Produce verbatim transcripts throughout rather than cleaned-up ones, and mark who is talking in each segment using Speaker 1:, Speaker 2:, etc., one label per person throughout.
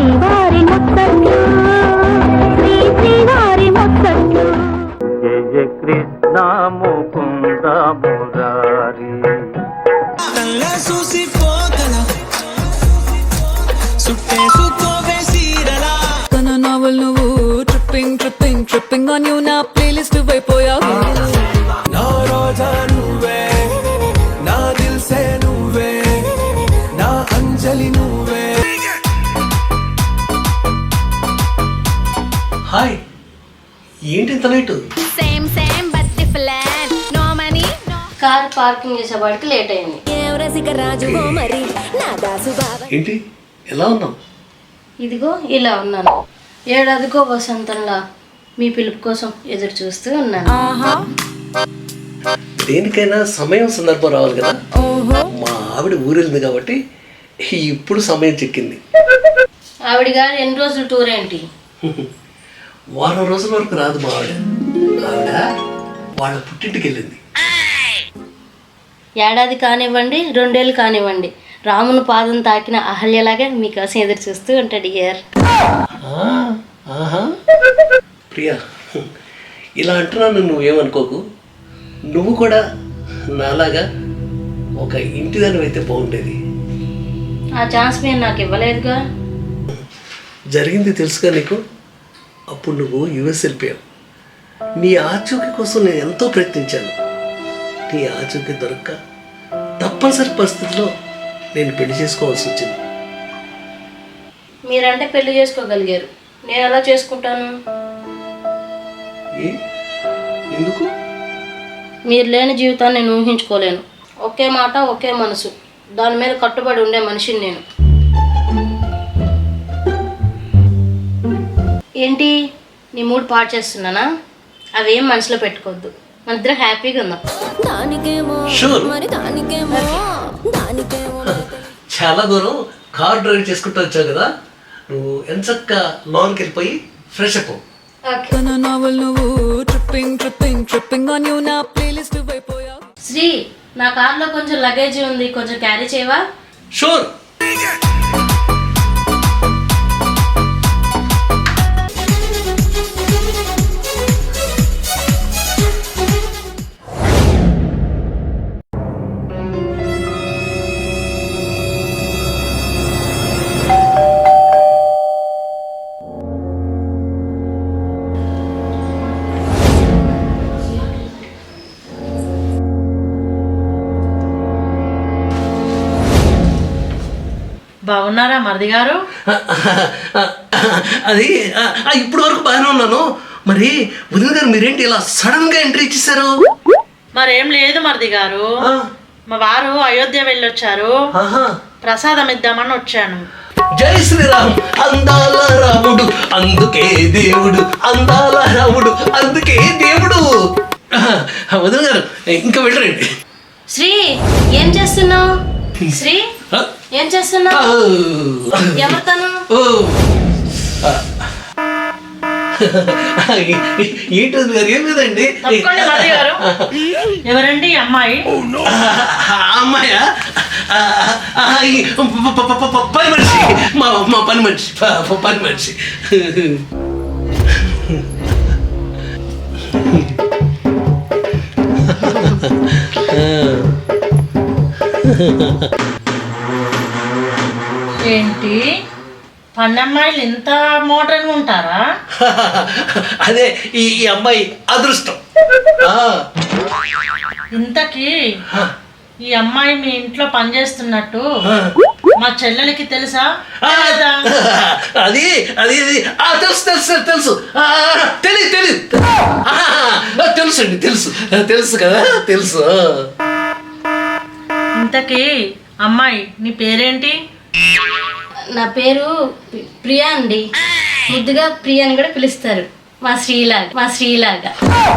Speaker 1: శ్రీవారి ముత్తట్లు శ్రీ శ్రీవారి ముత్తట్లు
Speaker 2: జయ కృష్ణ ముకుంద మురారి
Speaker 3: నావల్ నువ్వు tripping tripping tripping on you నా ప్లేలిస్ట్ అయిపోయావు
Speaker 4: నా రోజా నువ్వే నా దిల్సే నువ్వే నా అంజలి నువ్వే.
Speaker 5: హాయ్, ఏంటి ఇంత late?
Speaker 6: Same same but different no money
Speaker 7: car parking చేసేవాడికి లేట్ అయింది.
Speaker 5: ఏంటి ఎలా ఉన్నావు?
Speaker 7: ఇదిగో ఇలా ఉన్నాను. ఏడాదికో వసంతంలా మీ పిలుపు కోసం ఎదురు చూస్తూ ఉన్నాను.
Speaker 5: దేనికైనా సమయం సందర్భం రావాలి కదా. మా ఆవిడ ఊరెళ్ళింది కాబట్టి ఇప్పుడు సమయం చిక్కింది.
Speaker 7: ఆవిడ గారు ఎన్ని రోజులు టూర్ ఏంటి?
Speaker 5: వారం రోజుల వరకు రాదు మా ఆవిడ. ఆవిడ వాళ్ళ పుట్టింటికి వెళ్ళింది.
Speaker 7: ఏడాది కానివ్వండి, రెండేళ్ళు కానివ్వండి, రాముని పాదం తాకిన అహల్యలాగా మీకోసం ఎదురు చూస్తూ ఉంటాడు ఇయర్.
Speaker 5: ఆహా ప్రియా, ఇలా అంటున్నాను నువ్వేమనుకోకు. నువ్వు కూడా నాలాగా ఒక ఇంటిదాని అయితే బాగుండేది.
Speaker 7: ఆ ఛాన్స్ మీరు నాకు ఇవ్వలేదుగా.
Speaker 5: జరిగింది తెలుసుగా నీకు. అప్పుడు నువ్వు యుఎస్ వెళ్ళిపోయావు. నీ ఆచూకీ కోసం నేను ఎంతో ప్రయత్నించాను. నీ ఆచూకీ దొరక్క తప్పనిసరి పరిస్థితిలో నేను పెళ్లి చేసుకోవాల్సి వచ్చింది.
Speaker 7: మీరంటే పెళ్లి చేసుకోగలిగారు, నేను ఎలా చేసుకుంటాను?
Speaker 5: ఏ ఎందుకు?
Speaker 7: మీరు లేని జీవితాన్ని నేను ఊహించుకోలేను. ఒకే మాట ఒకే మనసు, దాని మీద కట్టుబడి ఉండే మనిషిని నేను. ఏంటి నీ మూడు పాడు చేస్తున్నానా? అవేం మనసులో పెట్టుకోవద్దు, మన ఇద్దరం హ్యాపీగా ఉందాం.
Speaker 5: Sure. చాలా దూరం కార్ డ్రైవ్ చేసుకుంటూ వచ్చావు కదా, నువ్వు ఎంచక్క లోన్కి వెళ్ళిపోయి ఫ్రెష్ అప్.
Speaker 3: నావల్ నువ్వు tripping tripping tripping on you నా ప్లేలిస్ట్ అయిపోయావు.
Speaker 7: శ్రీ, నా కార్లో కొంచెం లగేజ్ ఉంది, కొంచెం క్యారీ చేయవా?
Speaker 5: షూర్.
Speaker 8: బాగున్నారా మరిది గారు?
Speaker 5: అది ఇప్పుడు వరకు బాగానే ఉన్నాను. మరి వదిన గారు మీరేంటి ఇలా సడన్ గా ఎంట్రీ ఇచ్చేసారు?
Speaker 8: మరేం లేదు మరిది గారు, మా వారు అయోధ్య వెళ్ళొచ్చారు, ప్రసాదం ఇద్దామని వచ్చాను.
Speaker 5: జై శ్రీరామ్. అందాల రాముడు అందుకే దేవుడు, అందాల రాముడు అందుకే దేవుడు. వదిన గారు ఇంకా వెళ్ళరండి.
Speaker 7: శ్రీ, ఏం చేస్తున్నావు? శ్రీ, ఏం చేస్తున్నావు? ఎవరితను?
Speaker 5: ఏంటి గారు? ఏం లేదండి.
Speaker 8: ఎవరండి అమ్మాయి?
Speaker 5: అమ్మాయా? పని మనిషి, మా మా పని మనిషి, పని మనిషి.
Speaker 8: ఏంటి పన్నమ్మాయిలు ఇంత మోడర్న్గా ఉంటారా?
Speaker 5: అదే ఈ అమ్మాయి అదృష్టం.
Speaker 8: ఇంతకీ ఈ అమ్మాయి మీ ఇంట్లో పనిచేస్తున్నట్టు మా చెల్లెలకి తెలుసా?
Speaker 5: అది అది తెలుసు తెలుసు తెలుసు తెలియదు తెలియదు తెలుసు అండి, తెలుసు తెలుసు కదా, తెలుసు.
Speaker 8: ఇంతకీ అమ్మాయి నీ పేరేంటి?
Speaker 7: నా పేరు ప్రియా అండి. ముద్దుగా ప్రియా అని కూడా పిలుస్తారు, మా శ్రీలాగా మా శ్రీలాగా.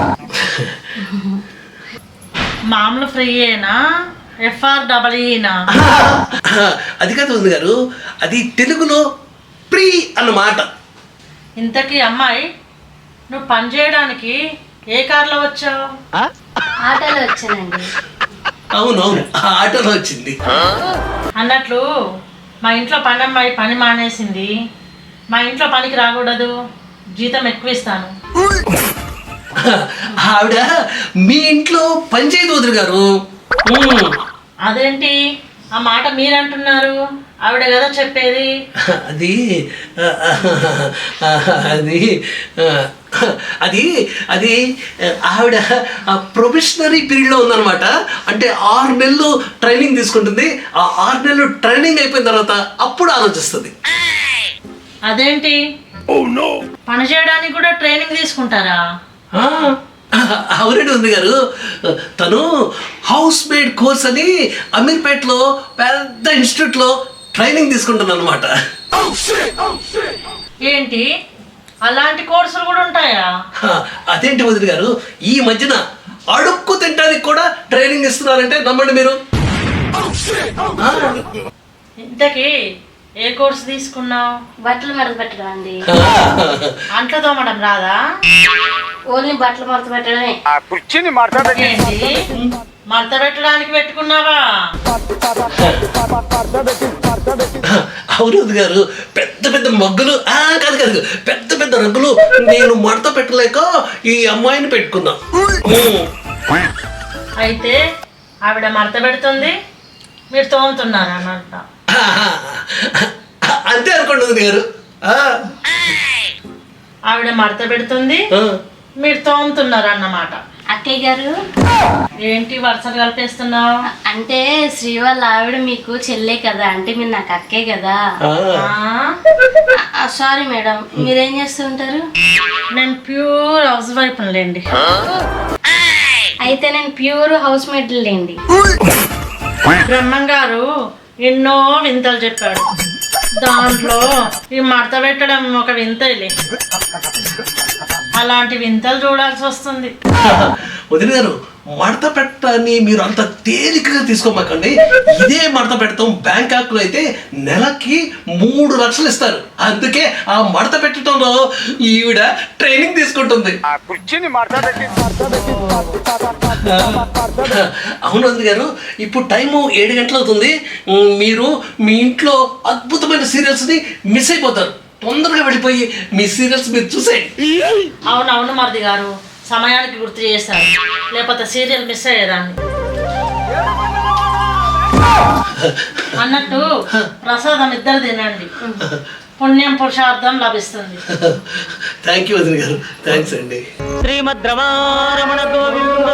Speaker 8: మామూలు ఫ్రీయేనా, ఎఫ్ఆర్ డబల్ఈనా?
Speaker 5: అది కాదు వదిన గారు, అది తెలుగులో ప్రీ అన్నమాట.
Speaker 8: ఇంతకీ అమ్మాయి నువ్వు పని చేయడానికి ఏ కార్లో వచ్చావు?
Speaker 7: ఆటోలో వచ్చానండి.
Speaker 5: అవునవును, ఆటోలో వచ్చింది.
Speaker 8: అన్నట్లు మా ఇంట్లో పని అమ్మాయి పని మానేసింది, మా ఇంట్లో పనికి రాకూడదు, జీతం ఎక్కువ ఇస్తాను.
Speaker 5: ఆవిడ మీ ఇంట్లో పనిచేయదు వదిన గారు. ఉమ్.
Speaker 8: అదేంటి ఆ మాట మీరంటున్నారు? ఆవిడ కదా చెప్పేది.
Speaker 5: అది అది అది అది ఆవిడ ప్రొఫెషనరీ పీరియడ్లో ఉందన్నమాట. అంటే ఆరు నెలలు ట్రైనింగ్ తీసుకుంటుంది. ఆ ఆరు నెలలు ట్రైనింగ్ అయిపోయిన తర్వాత అప్పుడు ఆలోచిస్తుంది.
Speaker 8: అదేంటి పని చేయడానికి కూడా ట్రైనింగ్ తీసుకుంటారా?
Speaker 5: అవునండి ఉంది గారు. తను హౌస్ మేడ్ కోర్స్ అని అమీర్పేటలో పెద్ద ఇన్స్టిట్యూట్లో ట్రైనింగ్ తీసుకుంటాను అనమాట.
Speaker 8: ఏంటి అలాంటి కోర్సులు కూడా ఉంటాయా?
Speaker 5: అదేంటి వదిన గారు, ఈ మధ్యన అడుక్కు తినడానికి కూడా ట్రైనింగ్ ఇస్తున్నారంటే నమ్మండి మీరు.
Speaker 8: ఇంతకీ ఏ కోర్సు తీసుకున్నావు?
Speaker 7: బట్టలు మడత పెట్టడం అండి.
Speaker 8: అంట్లు తోమడం రాదా?
Speaker 7: ఓన్లీ బట్టలు మడత పెట్టడమే.
Speaker 8: ఏంటి మడత పెట్టడానికి పెట్టుకున్నావా?
Speaker 5: అవును వదిన గారు, పెద్ద పెద్ద మగ్గులు ఆ కాదు కాదు పెద్ద పెద్ద రగ్గులు నేను మడత పెట్టలేక ఈ అమ్మాయిని పెట్టుకున్నా.
Speaker 8: అయితే ఆవిడ మడత పెడుతుంది, మీరు తోముతున్నారు అన్నట్ట.
Speaker 5: అంతే అనుకోండి వదిన గారు.
Speaker 8: ఆవిడ మడత పెడుతుంది, మీరు తోముతున్నారు అన్నమాట.
Speaker 7: అక్కయ్య గారు
Speaker 8: ఏంటి వరుసలు కలిపేస్తున్నావు?
Speaker 7: అంటే శ్రీ వాళ్ళ ఆవిడ మీకు చెల్లే కదా, అంటే మీరు నాకు అక్కే కదా. సారీ మేడం, మీరేం చేస్తుంటారు?
Speaker 8: నేను ప్యూర్ హౌస్ వైఫ్ లేండి.
Speaker 7: అయితే నేను ప్యూర్ హౌస్ మేడ్ లేండి.
Speaker 8: బ్రహ్మం గారు ఎన్నో వింతలు చెప్పాడు, దాంట్లో ఈ మడత పెట్టడం ఒక వింతలే. అలాంటి వింతలు చూడాల్సి వస్తుంది.
Speaker 5: వదిన గారు, మడత పెట్టని మీరు అంత తేలికగా తీసుకోమాకండి. ఇదే మడత పెడతాం బ్యాంకాక్ లో అయితే నెలకి మూడు లక్షలు ఇస్తారు. అందుకే ఆ మడత పెట్టడంలో ఈవిడ ట్రైనింగ్ తీసుకుంటుంది. అవును వదిన గారు, ఇప్పుడు టైము ఏడు గంటలు అవుతుంది. మీరు మీ ఇంట్లో అద్భుతమైన సీరియల్స్ ని మిస్ అయిపోతారు. తొందరగా వెళ్ళిపోయి మీ సీరియల్స్ మీరు చూసేయండి.
Speaker 8: అవునవును మరిది గారు, సమయానికి గుర్తు చేశారు, లేకపోతే సీరియల్ మిస్ అయ్యేదాన్ని. అన్నట్టు ప్రసాదం ఇద్దరు తినండి, పుణ్యం పురుషార్థం లభిస్తుంది.
Speaker 5: థ్యాంక్ యూ వదిన గారు, థ్యాంక్స్ అండి.
Speaker 2: శ్రీమద్ రమారమణ గోవిందో.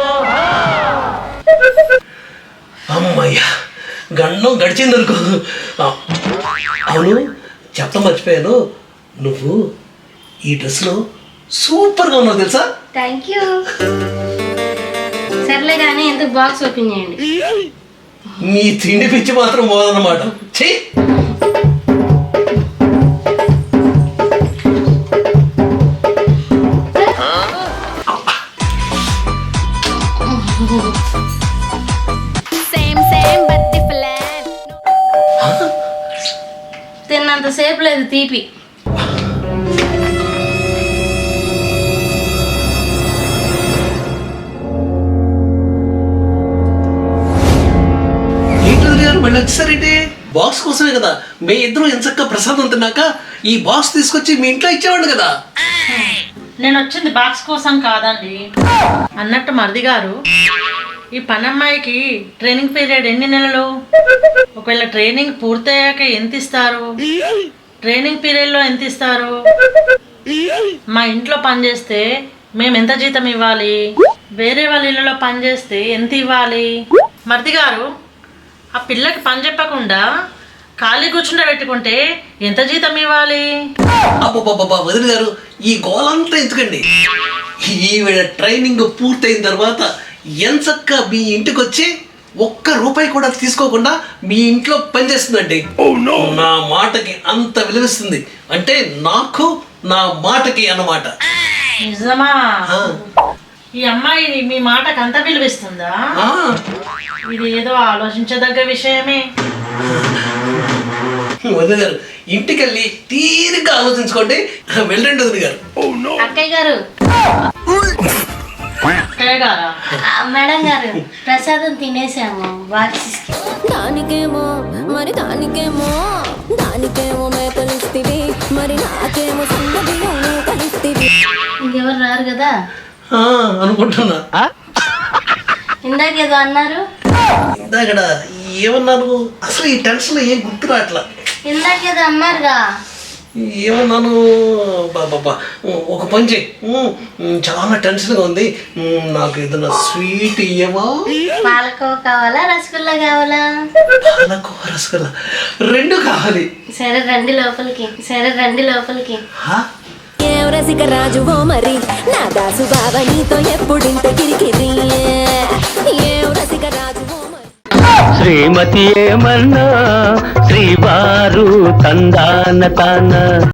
Speaker 5: అమ్మయ్యా, గండం గడిచిందనుకో. అవును చెప్పడం మర్చిపోయాను, నువ్వు ఈ డ్రెస్లో సూపర్గా ఉన్నావు తెలుసా.
Speaker 7: Thank you. సర్లే కానీ ఎందుకు బాక్స్ ఓపెన్ చేయండి.
Speaker 5: నీ తిండి పిచ్చి మాత్రం పోదన్నమాట. చెయ్యి.
Speaker 6: Same, same, but different.
Speaker 7: తిన్నంతసేపు లేదు తీపి.
Speaker 5: మళ్ళీ వచ్చేసరేంటి? బాక్స్ కోసమే కదా. మీ ఇద్దరు ఎంచక్క ప్రసాదం తిన్నాక ఈ బాక్స్ తీసుకొచ్చి మీ ఇంట్లో ఇచ్చేవాడు కదా.
Speaker 8: నేను వచ్చింది బాక్స్ కోసం కాదండి. అన్నట్టు మరిది గారు, ఈ పనమ్మాయికి ట్రైనింగ్ పీరియడ్ ఎన్ని నెలలు? ఒకవేళ ట్రైనింగ్ పూర్తయ్యాక ఎంత ఇస్తారు? ట్రైనింగ్ పీరియడ్లో ఎంత ఇస్తారు? మా ఇంట్లో పనిచేస్తే మేము ఎంత జీతం ఇవ్వాలి? వేరే వాళ్ళ ఇళ్ళలో పనిచేస్తే ఎంత ఇవ్వాలి? మరిది గారు, ఆ పిల్లకి పని చెప్పకుండా ఖాళీ కూర్చుండ పెట్టుకుంటే ఎంత జీతం ఇవ్వాలి?
Speaker 5: అబ్బా వదిన గారు, ఈ గోలంతా ఎందుకండి? ఈవిడ ట్రైనింగ్ పూర్తయిన తర్వాత ఎంచక్క మీ ఇంటికి వచ్చి ఒక్క రూపాయి కూడా తీసుకోకుండా మీ ఇంట్లో పనిచేస్తుందండి. నా మాటకి అంత విలువిస్తుంది. అంటే నాకు నా మాటకి అన్నమాట.
Speaker 8: నిజమా? ఈ అమ్మాయి మీ మాటకు అంత విలువిస్తుందా? ఇది ఏదో ఆలోచించదగ్గ విషయమే.
Speaker 5: వదిన గారు, ఇంటికి వెళ్ళి తీరిగ్గా ఆలోచించుకోండి. వెళ్ళండి వదిన గారు.
Speaker 7: అక్కయ్య గారు,
Speaker 8: అక్కయ్య గారా?
Speaker 7: మేడం గారు, ప్రసాదం తినేసాము. బాక్స్
Speaker 1: దానికేమో మరి దానికేమో దానికేమో మేకలిస్తివి మరి
Speaker 7: ఇంకెవరు రారు కదా
Speaker 5: ఆ, అనుకుంటున్నా.
Speaker 7: ఇందాక ఏదో అన్నారు.
Speaker 5: ఇందాకడ ఏమన్నాను అసలు ఈ టెన్షన్ ఏం గుర్తు రావట్లా.
Speaker 7: ఇందాక ఏదో అన్నారుగా.
Speaker 5: ఏమన్నాను బాబా, ఒక పని చేయి, ఉమ్, చాలా టెన్షన్గా ఉంది, ఉమ్, నాకు ఏదైనా స్వీట్ ఇయ్యవా?
Speaker 7: పాలకోవ కావాలా రసగుల్లా కావాలా?
Speaker 5: పాలకోవ రసగుల్లా రెండు కావాలి.
Speaker 7: సరే రండి లోపలికి. సరే రండి లోపలికి.
Speaker 5: హా?
Speaker 1: ఏం రసిక రాజువో మరి నా దాసు బాబా నీతో ఎప్పుడింత కిరికిరి ఏం రసిక రాజువో మరి
Speaker 2: శ్రీమతి ఏమన్నా శ్రీవారు తందాన తాన